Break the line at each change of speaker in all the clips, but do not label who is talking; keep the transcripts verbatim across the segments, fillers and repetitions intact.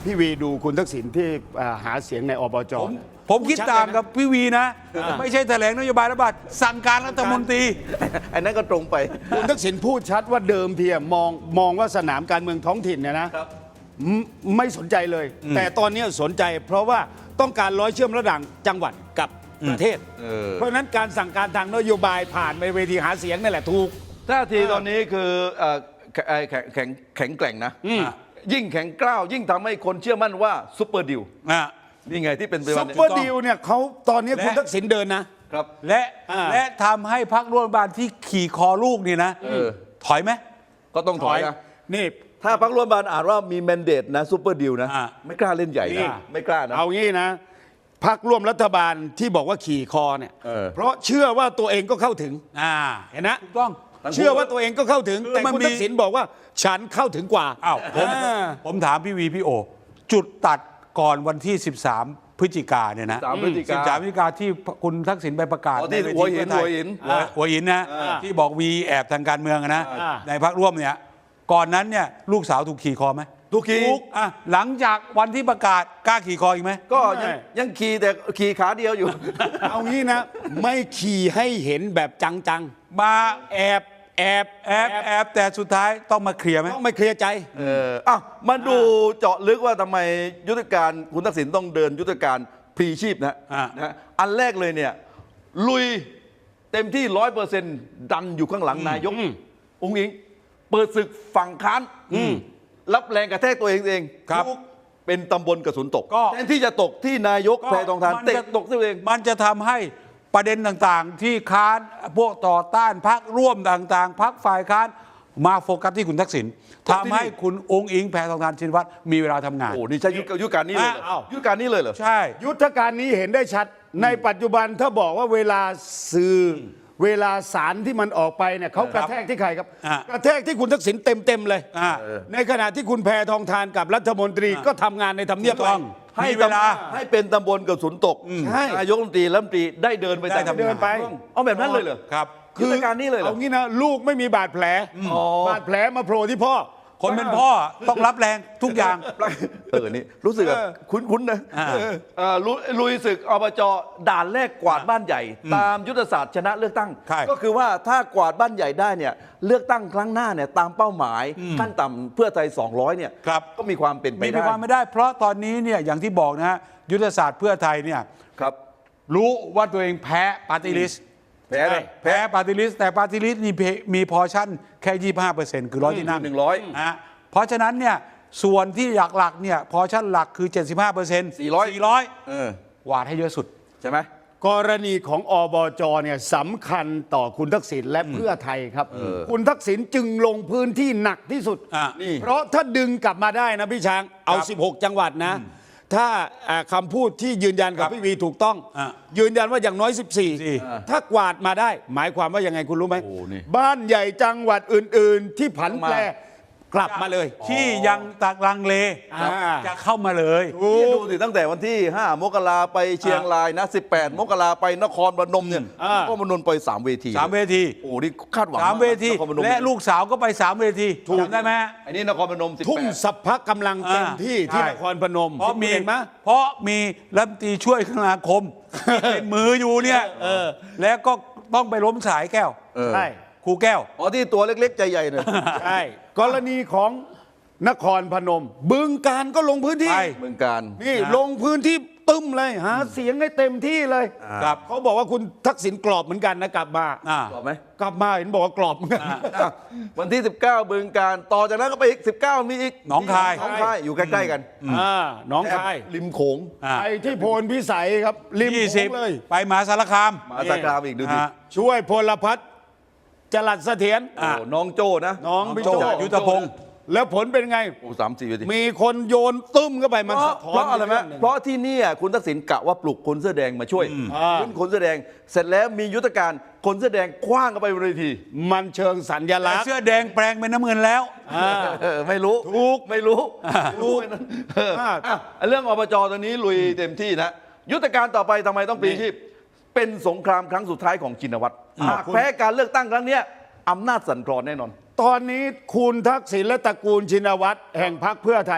พี่วีดูคุณทักษิณที่หาเสียงในอบจ
ผมผมคิดต่างกับพี่วีนะ ไม่ใช่แถลงนโยบายรัฐบาลสั่งการรัฐมนตรี
อันนั้นก็ตรงไป
คุณทักษิณพูดชัดว่าเดิมทีมองมองว่าสนามการเมืองท้องถิ่นเนี่ยนะครับไม่สนใจเลย แต่ตอนนี้สนใจเพราะว่าต้องการร้อยเชื่อมระหว่างจังหวัดกับประเทศ เพราะฉะนั้นการสั่งการทางนโยบายผ่านไปเวทีหาเสียงนี่แหละถูก
ท่าทีตอนนี้คือเอ่อแข็งแข็งแข็งแกร่งนะยิ่งแข็งกร้าวยิ่งทำให้คนเชื่อมั่นว่าซุปเปอร์ดิวนี่ไงที่เป็นไป
ซุ
วัน
ป
นี้
เปอร์ดีลเนี่ยเขาตอนนี้คุณ
และ
ทักษิณเดินนะ
ครับ
และ
อ่า
และทำให้พรรคร่วมรัฐบาลที่ขี่คอลูกนี่นะ
เออ
ถอยไหม
ก็ต้องถอยนะ
นี่
ถ้าพรรคร่วมรัฐบาลอ่านว่ามีแมนเดตนะซุปเปอร์ดิวนะ
อ่า
ไม่กล้าเล่นใหญ่
นี่
นะไม่กล้านะ
เอางี้นะพักร่วมรัฐบาลที่บอกว่าขี่คอเนี่ย
เออ
เพราะเชื่อว่าตัวเองก็เข้าถึง
อ่า
เห็นนะ
ถูกต้อง
เชื่อว่าตัวเองก็เข้าถึง
คือ
แต่
มัน
คุณ
มี
ทักษิณบอกว่าฉันเข้าถึงกว่า
อ้าวผม
อ่า
ผมถามพี่วีพี่โอ จุดตัดก่อนวันที่ สิบสาม พฤศจิกาเนี่ยนะ
สิบสามพฤศจิกา
สิบสามพฤศจิกาที่คุณทักษิณไปประกาศ
อ๋อที่
ใเว
หัวหิน
เพื่อไทย
หัวหิน
หัวหัวหินนะ
อ่า
ที่บอกวีแอบทางการเมืองอะนะ
อ่า
ในพรรคร่วมเนี่ยก่อนนั้นเนี่ยลูกสาวถูกขี่คอไหม
ทุกขี่
อ่ะหลังจากวันที่ประกาศกล้าขี่คออีกไหม
ก็ยังยังขี่แต่ขี่ขาเดียวอยู่
เอางี้นะ ไม่ขี่ให้เห็นแบบจัง
มา
ๆ แอบแอบ
แอบแอบแต่สุดท้ายต้องมาเคลียร์ไหม
ต้องไม่เคลียร์ใจ
เอออ่ะมาดูเจาะลึกว่าทำไมยุทธการคุณทักษิณต้องเดินยุทธการพลีชีพนะ
อ่ะ
นะอันแรกเลยเนี่ยลุยเต็มที่ร้อยเปอร์เซ็นต์ดันอยู่ข้างหลังนายกองค์อิง เปิดศึกฝั่งค้านรับแรงกระแทกตัวเองเอง
ครับ
ลูกเป็นตำบลกระสุนตก
ก็
แทนที่จะตกที่นายกแพทองทาน
มัน
เตะ
จะ
ตกตัวเอง
มันจะทำให้ประเด็นต่างๆ ที่ค้านพวกต่อต้านพักร่วมต่างๆพักฝ่ายค้านมาโฟกัสที่คุณทักษิณ
โฟกัสที่
ทำให้คุณองค์อิงแพทองทานชินวัตรมีเวลาทำงาน
โอ้นี่ใช่ยุทธยุทธการนี้เลยเหรอ
อ้าว
ยุทธการนี้เลยเหรอ
ใช่
ยุทธการนี้เห็นได้ชัด ในปัจจุบันถ้าบอกว่าเวลาสื่อเวลาสารที่มันออกไปเนี่ยเขากระแทกที่ใครครับ
อ่ะ
กระแทกที่คุณทักษิณเต็มๆเลย
อ่า
ในขณะที่คุณแพทองทานกับรัฐมนตรีก็ทำงานในทำเนียบ
ถูกต้อง
ไป
ให้
มีเวลา
ให้เป็นตำบลกระสุนตก
ใช่
นายกรัฐมนตรีรัฐมนตรีได้เดินไป
ได้
ตาม
ทำงาน
เดินไป
เอาแบบนั้นเลยเหรอ
ครับ
ยุทธการนี้เลยเหรอ
เอางี้นะลูกไม่มีบาดแผล
อ๋อ
บาดแผลมาโผล่ที่พ่อ
คนเป็นพ่อต้องรับแรงทุกอย่าง
เออนี่รู้สึกแบบคุ้นๆนะ
อ่า
เออลุลุยศึกอบจด่านแรกกวาดบ้านใหญ่ ตามยุทธศาสตร์ชนะเลือกตั้ง
ใช่
ก็คือว่าถ้ากวาดบ้านใหญ่ได้เนี่ยเลือกตั้งครั้งหน้าเนี่ยตามเป้าหมายขั้นต่ำเพื่อไทยสองร้อยเนี่ย
ครับ
ก็มีความเป็นไป
มี
ได้
ความไม่ได้ เพราะตอนนี้เนี่ยอย่างที่บอกนะฮะยุทธศาสตร์เพื่อไทยเนี่ย
ครับ
รู้ว่าตัวเองแพ้ปาร์ตี้ลิสต์
แพ้เลย
แพ้ปาร์ตี้ลิสต์แต่ปาร์ตี้ลิสต์นี่มีพอชั่นแค่ยี่สิบห้าเปอร์เซ็นต์คือร้อยที่นั่ง
หนึ่งร้อย
นะฮะเพราะฉะนั้นเนี่ยส่วนที่หลักๆเนี่ยพอชั่นหลักคือ เจ็ดสิบห้าเปอร์เซ็นต์
สี่ร้อย
สี่ร้อย
เออ
วาดให้เยอะสุด
ใช่ไหม
กรณีของอบจเนี่ยสำคัญต่อคุณทักษิณและเพื่อไทยครับ คุณทักษิณจึงลงพื้นที่หนักที่สุด
อ่ะ
นี่
เพราะถ้าดึงกลับมาได้นะพี่ช้างเอา
ครับ
สิบหก จังหวัดนะ ถ้าอ่าคำพูดที่ยืนยันกับ
ครับ
พี่วีถูกต้อง
อ่ะ
ยืนยันว่าอย่างน้อย สิบสี่
สี่
ถ้ากวาดมาได้ หมายความว่ายังไงคุณรู้ไหม
โอ้นี่
บ้านใหญ่จังหวัดอื่น ๆ ที่ผันแปรกลับมาเลย
ที่ยังตักลังเล
อ่า
จะเข้ามาเลย
นี่ดูสิตั้งแต่วันที่ ห้ามกราไปเชียงรายนะ สิบแปด มกราไปนครพนมเนี่ย
อ่า
นครพนมไปสามเวที
สามเวที
โอ้นี่คาดหวัง
สามเวที
นครพนม
และลูกสาวก็ไปสามเวทีจำได้ไหมฮะ
อันนี้นครพนมสิบ
ทุ่ม
แปด
สัพพะกำลังเต็มที่ที่
ใช่
นครพนม
เพราะมี
เห็นไหม
เพราะมีรัฐมนตรีช่วยคมนาคมที่เป็นมืออยู่เนี่ยแล้วก็ต้องไปล้มสายแก้ว
เออ
ใช่
ครูแก้ว
อ๋อที่ตัวเล็กๆ ใจใหญ่หน่อย
ใช่กรณีของนครพนม บึงการก็ลงพื้นที่
ไป
เมืองการ
นี่
นะ
ลงพื้นที่ตึ้มเลยหาเสียงให้เต็มที่เลย
ครับ
เขาบอกว่าคุณทักษิณกรอบเหมือนกันนะกลับมา
อ่า
ตอบไหม
กลับมาเห็นบอกว่ากรอบเหมือนกัน
อ่ะวันที่ สิบเก้าเมืองการต่อจากนั้นก็ไปอีก สิบเก้า มีอีก
หนองคาย
หนองคายอยู่ใกล้ๆกัน
อ่าหน้องคาย
ริมโขง
อ่า
ไปที่โพนพิสัยครับริม
ยี่
โข
สิบ
งเลย
ไปมหาสารคาม
มหาสารคามอีกดูดิ
ฮะ
ช่วยพลพัฒน์จรัสเสถียร
โอ้น้องโจ้นะ
น้องพี่โจ
น้องโจ้ยุทธพงศ์
แล้วผลเป็นไง
โอ้สามสี่เวที
มีคนโยนตึ้มเข้าไปมัน
เพราะ
สะท้อน
เพราะอะไรไหม
เงหนึ่ง
เพราะที่เนี่ยคุณทักษิณกะว่าปลุกคนเสื้อแดงมาช่วย
อ่า
ขึ้นคนเสื้อแดง เสร็จแล้วมียุทธการคนเสื้อแดงคว้างเข้าไปบนเวที
มันเชิงสัญ
แต่
ลักษณ์
เสื้อแดงแปลงเป็นน้ำเงินแล้ว
อ่า
เออไม่รู้
ถูก
ไม่รู้
ถูก
เออ
อ่า
อ่ะเรื่องอบจตอนนี้ลุยเต็มที่นะ ยุทธการต่อไปทำไมต้องปลีชีพ เป็นสงครามครั้งสุดท้ายของชินวัตรหากแพ้การเลือกตั้งครั้งเนี้ยอำนาจสั่นคลอนแน่นอน
ตอนนี้คุณทักษิณและตระกูลชินวัตรแห่งพรรคเพื่อไทย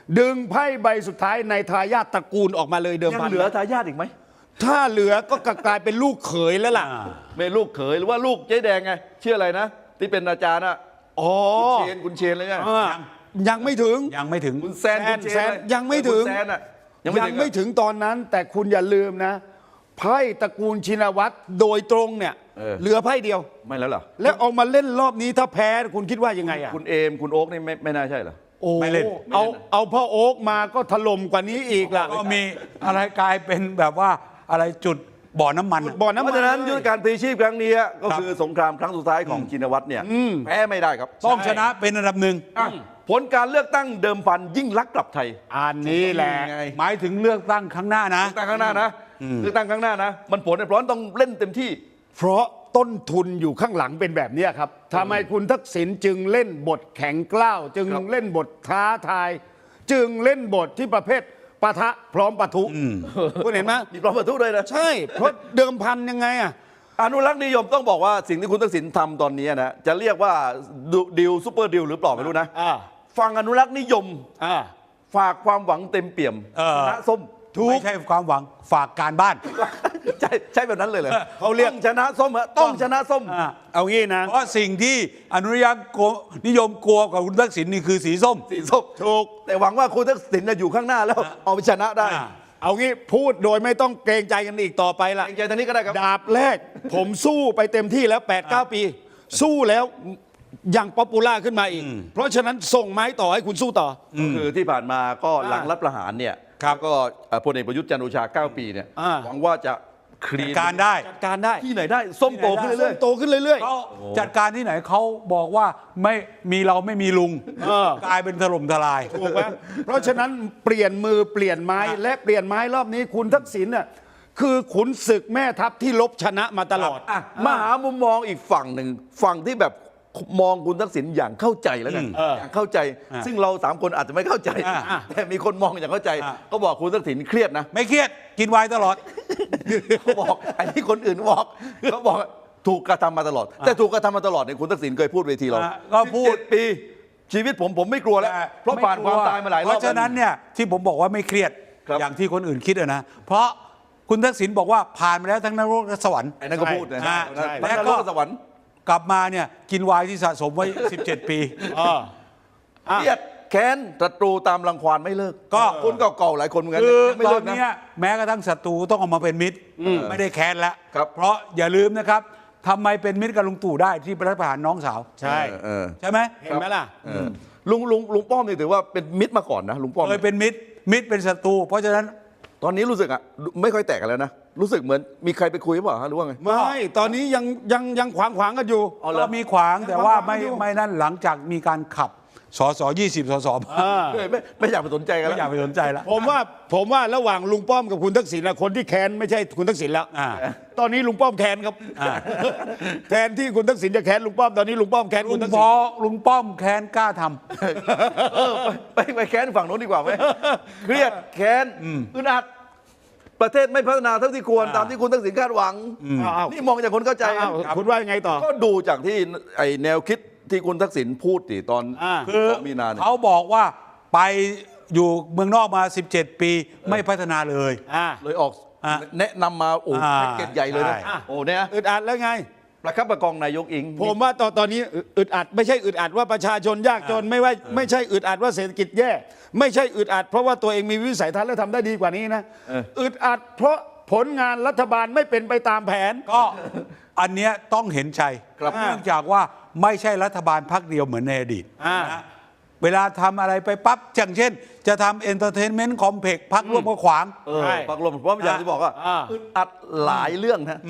ดึงไพ่ใบสุดท้ายในทายาทตระกูลออกมาเลยเดิม
ยัง
พัน
เหลือทายาทอีกไหม
ถ้าเหลือก็กลายเป็นลูกเขยแล้วล่ะ
ไม่ลูกเขยหรือว่าลูกเจ๊แดงไงชื่ออะไรนะ ที่เป็นอาจารย์อะ
อ๋อ
คุณเชนคุณเชนเลยไง
อ่ายังไม่ถึง
ยังไม่ถึง
คุณแซนคุณเช
แซ
น
น
เลย
ยังไม่ถึง
คุณแซนอะยังไม่
ยั
ถึ
ง
ง
ไม่
อะ
ถึงตอนนั้น แต่คุณอย่าลืมนะไพ่ตระกูลชินวัตรโดยตรงเนี่ย
เออ
เหลือไพ่เดียว
ไม่แล้วเหรอ
แล้วเอามาเล่นรอบนี้ถ้าแพ้คุณคิดว่ายังไงอ่ะ
คุณเอมคุณโอ๊กนี่ไม่ไม่น่าใช่เหรอ
โอ้
ไม่เล่น
เอาเอาพ่อโอ๊กมาก็ถล่มกว่านี้อีกล่ะ
ก็มีอะไรกลายเป็นแบบว่าอะไรจุดบ่อน้ำมัน
บ่อน้ำ
เพ
มัน
ราะฉะนั้น
เลย
ยุทธการพลีชีพครั้งนี้ก็
ครับ
คือสงครามครั้งสุดท้ายของชินวัตรเนี่ยแพ้ไม่ได้ครับ
ต้องชนะเป็นอันดับหนึ่ง
อ่ะผลการเลือกตั้งเดิมพันยิ่งลักษณ์กลับไทย
อันนี้แหละ
ไง
หมายถึงเลือกตั้งครั้งหน้านะ
เลือกตั้งข้างหน้านะเลือกตั้งข้างหน้านะ มันผลเนี่ยเพราะต้องเล่นเต็มที่
เพราะต้นทุนอยู่ข้างหลังเป็นแบบเนี้ยครับทำไมคุณทักษิณจึงเล่นบทแข็งกล้าว จึง
ครับ
เล่นบทท้าทาย จึงเล่นบทที่ประเภทปะทะพร้อมปะทุคุณเห็นไหม
มีปลอมประทุด้วยนะ
ใช่ เพราะเดิมพันยังไงอ่ะ
อนุรักษ์นิยมต้องบอกว่าสิ่งที่คุณทักษิณทำตอนนี้นะจะเรียกว่าดิวซูเปอร์ดิวหรือเปล่าไม่รู้นะ
อ่า
ฟังอนุรักษ์นิยม
อ่า
ฝากความหวังเต็มเปี่ยม
เออ
ชนะส้ม
ไม่ใช่ความหวังฝากการบ้าน
ใช่ใช่แบบนั้นเลยเหรอ
เขาเรียก
ต้องชนะส้มฮะต้องชนะส้ม
อ่า
เอางี้นะ
เพราะสิ่งที่อนุรักษ์นิยมกลัวกับคุณทักษิณนี่คือสีส้ม
สีส้ม
ถูก
แต่หวังว่าคุณทักษิณจะอยู่ข้างหน้าแล้ว เอาไปชนะได้
อ่า
เอางี้พูดโดยไม่ต้องเกรงใจกันอีกต่อไปละ
เกรงใจทางนี้ก็ได้ครับ
ดาบแรก ผมสู้ไปเต็มที่แล้ว8ปดเก้าปี สู้แล้วยังป๊อปปูล่าขึ้นมาอีก เพราะฉะนั้นส่งไม้ต่อให้คุณสู้ต่อ
ก็คือที่ผ่านมาก็หลัง
อ่า
รัฐประหารเนี่ย
ครับ
ก็เอ่อพลเอกประยุทธ์จันทร์โอชาเก้าปีเนี่ย
อ่า
หวังว่าจะคลีน
การได้
จัดการได้
ที่ไหนได้ส้มโตขึ้น
เรื่
เรื่
อ
อย
ยๆโตขึ้นเรื่อย
เขาจัดการที่ไหนเขาบอกว่าไม่มีเราไม่มีลุง
เออ
กลายเป็นถล่มทลาย
ๆถูกไหมเพราะฉะนั้นเปลี่ยนมือเปลี่ยนไม้และเปลี่ยนไม้รอบนี้คุณทักษิณน่ะคือขุนศึกแม่ทัพที่ลบชนะมาตลอด
ๆอ่ะมาหามุมมองอีกฝั่งหนึ่งฝั่งที่แบบมองคุณทักษิณอย่างเข้าใจแล้วกัน
เออ
อย่างเข้าใจ
อ่ะ
ซึ่งเราสามคนอาจจะไม่เข้าใจ
อ่ะ
แต่มีคนมองอย่างเข้าใจ
อ่ะ
ก็บอกคุณทักษิณเครียดนะ
ไม่เครียดกินไวน์ตลอด
เขาบอกอันนี้คนอื่นบอกเขาบอกถูกกระทำมาตลอด แต่ถูกกระทำมาตลอดเนี่ยคุณทักษิณเคยพูดเวทีเรา
อ่ะก็พูด
สิบเจ็ปี ชีวิตผมผมไม่กลัวแล้ว เพราะผ่านความตายมาหลายรอบ
เพราะฉะนั้นเนี่ยที่ผมบอกว่าไม่เครียด
ครับ
อย่างที่คนอื่นคิดอะนะเพราะคุณทักษิณบอกว่าผ่านมาแล้วทั้งนรกและสวรรค์
ไอ้นั่นก็พูดนะ
ใช่
ใช่
แล้
แล้ว
วก็
ก็สวรรค์
กลับมาเนี่ยกินไวน์ที่สะสมไว้ สิบเจ็ด ปี
เออ อ่ะ
เครียดแค้นศัตรูตามรังควานไม่เลิก
ก็
คนเก่าๆหลายคนเหมือนกัน
คือ
ยังไม่
ตอ
เลิ
น
กนะ
เนี้ยแม้กระทั่งศัตรูต้องออกมาเป็นมิตรไม่ได้แค้นแล้ว
ครับ
เพราะอย่าลืมนะครับทำไมเป็นมิตรกับลุงตู่ได้ที่รัฐประหารน้องสาว
ใช่
เออ
ใช่ไหม
เห็นไหมล่ะ
เออลุงลุงลุงป้อมนี่ถือว่าเป็นมิตรมาก่อนนะลุงป้อม
เคยเป็นมิตรมิตรเป็นศัตรูเพราะฉะนั้น
ตอนนี้รู้สึกอ่ะไม่ค่อยแตกกันแล้วนะรู้สึกเหมือนมีใครไปคุยหรือเปล่าฮะหรือว่าไง
ไม่ ตอนนี้ยังยังยังขวางขวางๆกันอยู่
อ๋อเหรอ
ก็มีขวางแต่ว่าไม่
ยังขวางอยู่
ไม่นั่นหลังจากมีการขับสสยี่สิบสส
อ่า
ไม่ไม่ไม่อยากไปสนใจกัน
ไม่
แล้ว
อยากไปสนใจแล้ว
ผมว่าผมว่าระหว่างลุงป้อมกับคุณทักษิณนะคนที่แค้นไม่ใช่คุณทักษิณแล้ว
อ่า
ตอนนี้ลุงป้อมแค้นครับ
อ่า
แทนที่คุณทักษิณจะแค้นลุงป้อมตอนนี้ลุงป้อมแค้น
ลุ
คุ
ง
ณทัก
พ
ษิ
อ
ณ
ลุงป้อมแค้นกล้าทำ
เออไปไปไปแค้นฝั่งโน้นดีกว่าไหมเครียดแค้นอึดอัดประเทศไม่พัฒนาเท่าที่ควร
อ่า
ตามที่คุณทักษิณคาดหวัง
อ้าว
นี่มองจากคนเข้าใจ
อ้าวคุณว่ายังไงต่อ
ก็ดูจากที่ไอแนวคิดที่คุณทักษิณพูดสิตอน
อ่า
คือ
สองมีนาเนี่ย
เขาบอกว่าไปอยู่เมืองนอกมา สิบเจ็ด ปีไม่พัฒนาเลย
อ่า
เลยออก
อ่ะ
แนะนำมาโอ้
อ่า
แพ็กเกจใหญ่เลยนะ
ใช่
โอ้เนี่ย
อึดอัดแล้วไง
ประคับประคองนายกอิง
ผมว่าตอนตอนนี้อึดอัดไม่ใช่อึดอัดว่าประชาชนยากจนไม่ว่าไม่ใช่อึดอัดว่าเศรษฐกิจแย่ ไม่ใช่อึดอัดเพราะว่าตัวเองมีวิสัยทัศน์และทำได้ดีกว่านี้นะอึดอัดเพราะผลงานรัฐบาลไม่เป็นไปตามแผน
ก็อันเนี้ยต้องเห็นใจ
ครับ
เนื่องจากว่าไม่ใช่รัฐบาลพักเดียวเหมือนในอดีต
อ่า
นะเวลาทำอะไรไปปั๊บอย่างเช่น จะทำเอนเตอร์เทนเมนต์คอมเพล็กซ์พักร่วมก็ขวาง
เออ
ใช่
ปักลมเพราะอย่างที่บอกว่า
อ่า
อึดอัดหลายเรื่องนะ